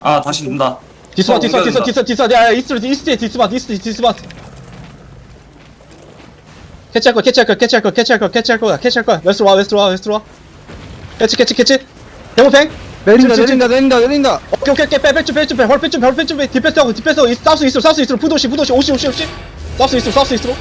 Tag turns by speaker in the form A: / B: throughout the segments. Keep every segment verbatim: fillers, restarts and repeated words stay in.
A: 아 다시 눈다.
B: 디스마
A: 어,
B: 디스마 디스마
A: 옮겨준다.
B: 디스마 디스마 야 이스트 이스트 디스마 이스트 디스마 캐치할 거 캐치할 거 캐치할 거 캐치할 거 캐치할 거야 캐치할 거야 웨스트로 와 웨스트로 와 웨스트로 와 캐치 캐치 캐치 데모팽
C: 내린다
B: 지- 지-
C: 내린다 내린다 내린다.
B: 오케이 오케이 오케이 빼빼좀 빼좀 빼 헐빼좀 헐빼좀 빼 디펜스하고 디펜스하고 이- 사우스 이스트로 사우스 이스트로 푸도시 푸도시 오시 오시 오시 사우스 이스트로 사우스 이스트로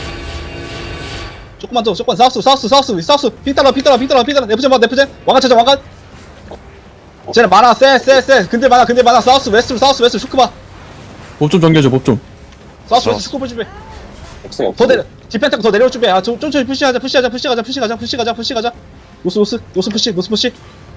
B: 조금만 더 조금만 사우스 사우스 사우스 사우스 삐따라 삐따라 삐따라 삐따라 네프젠 봐 네프젠 왕관 찾아 왕관 쟤네 많아 쎄쎄쎄 근데 많아 근데 많아 사우스 웨스트로 사우스 웨스트로 슈크 봐
D: 법 좀 정겨줘 법 좀.
B: 사우스 웨스트 슈크 볼 준비
E: 없어
B: 더
E: 없어.
B: 내려 디펜트하고 더 내려올 준비 아 좀 천천히 푸시하자 푸시하자 푸시가자 푸시가자 푸시가자 푸시가자 노스 노스 노스 푸시 노스 푸시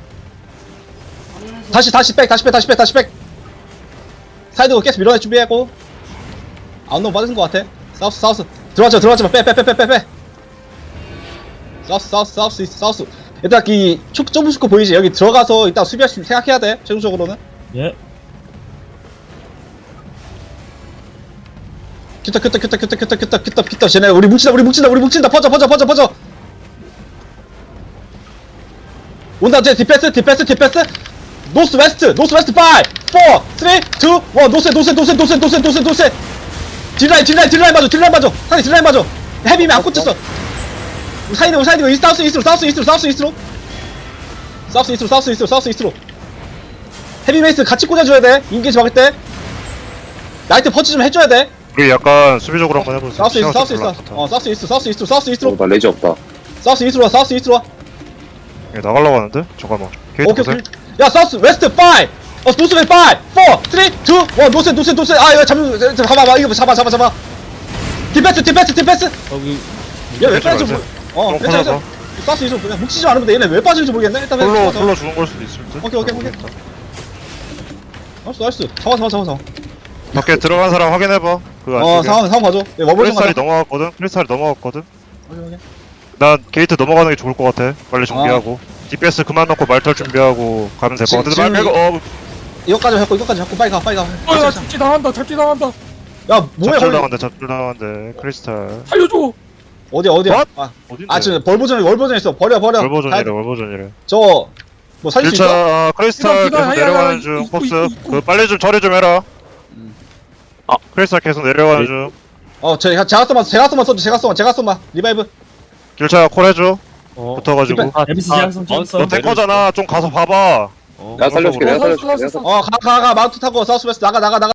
B: 다시 다시 백 다시 백 다시 백 다시 백 사이드고 계속 밀어낼 준비하고 아웃노 맞은 것 같아 사우스 사우스 들어가지 마 들어가지 마빼빼빼빼빼 사우스 사우스 사우스 이스트, 사우스 일단 이 촉 좁은 슈크 보이지 여기 들어가서 일단 수비할 수 생각해야 돼 최종적으로는
D: 예.
B: 큐터 큐터 큐터 큐터 큐터 큐터 큐터 큐터 쟤네 우리 뭉친다 우리 뭉친다 우리 뭉친다 퍼져 퍼져 퍼져 퍼져 온다 쟤 디펜스 디펜스 디펜스 노스 웨스트 노스 웨스트 파이 포 쓰리 투 원 노스 노스 노스 노스 노스 노스 노스 딜라인 딜라인 딜라인 맞아 딜라인 맞아 사이 딜라인 맞아 헤비면 안 꽂혔어 사이드 사이드 이 사우스 이스트로 사우스 이스트로 사우스 이스트로 사우스 이스트로 사우스 이스트로 사우스 이스트로 헤비 메이스 같이 꽂아줘야 돼 인게이지 막을 때 나이트 퍼치 좀 해줘야 돼
F: 우리 약간 수비적으로 한번 해보세요.
B: 사우스 이스트 사우스
F: 시간
B: 이스트
F: 좀
B: 어 사우스 이스트 사우스 이스트 사우스 이스트로
E: 어, 나 레지 없다.
B: 사우스 이스트로 와 사우스 이스트로 와
F: 예, 나가려고 하는데? 잠깐만. 게이트
B: 오케이
F: 보세요.
B: 오케이 야 사우스 웨스트 파이 어 노스 웨스트 파이 포 쓰리 투 원 노스 노스 노스 아 이거 잡는 잡아봐 이거 잡아 잡아 잡아 디펜스 디펜스 디펜스
D: 여기
B: 얘왜
F: 빼지
B: 빠지지
F: 마세요.
B: 어
F: 좀
B: 괜찮아
F: 커져서.
B: 사우스 이스트로 그냥 뭉치지 않으면 돼 얘네 왜 빠지는지 모르겠네 일단
F: 폴로,
B: 그냥
F: 폴로 죽은 걸 수도 있을 듯?
B: 오케이, 오케이, 오케이. 나이스 나이스 잡아 잡아 잡아 잡아
F: 밖에 들어간 사람 확인해봐. 그
B: 어
F: 안쪽에.
B: 상황 상황 봐줘 얘 워벌 좀
F: 크리스탈이
B: 가자
F: 넘어갔거든? 크리스탈이 넘어갔거든?
B: 오케이, 오케이.
F: 난 게이트 넘어가는 게 좋을 것 같아. 빨리 정비하고. 디피에스 그만 넣고 말털 준비하고 가면 될 것 같은데. 말
B: 지금-
F: 빼고, 어,
B: 이거까지 잡고 이거까지 잡고 빨리 가 빨리 가
D: 어야 잡지 당한다 잡지 당한다
B: 야 뭐야
F: 잡줄
B: 거기
F: 당한데, 잡줄 당한데. 크리스탈.
D: 살려줘.
B: 어디야 어디야
F: What?
B: 아,
F: 어딘데?
B: 아 지금 벌 버전 월 버전 있어 버려 버려
F: 월버전이래, 월버전이래.
B: 저뭐 살릴 수 있어?
F: 일 차 크리스탈
D: 이거,
F: 계속
D: 이거,
F: 내려가는
D: 이거,
F: 중.
D: 이거,
F: 폭스.
D: 이거, 이거.
F: 그 빨리 좀 처리 좀 해라. 아, 크리스탈 계속 내려가는 중.
B: 어, 저 제가 써만 제가 써만 써줘. 제가 써만 제가 써만 리바이브.
F: 일 차 콜 해줘.
D: 어.
F: 붙어가지고.
D: 아 에비스 장성 찍었어.
F: 너 탱커잖아. 좀 가서 봐봐.
E: 내가 살려줄게. 내가
D: 어,
E: 살려줄게.
D: 살았어,
E: 내가
D: 살았어.
E: 살려줄게.
B: 어, 가 가 가 마운트 타고 사우스웨스트 나가 나가 나가.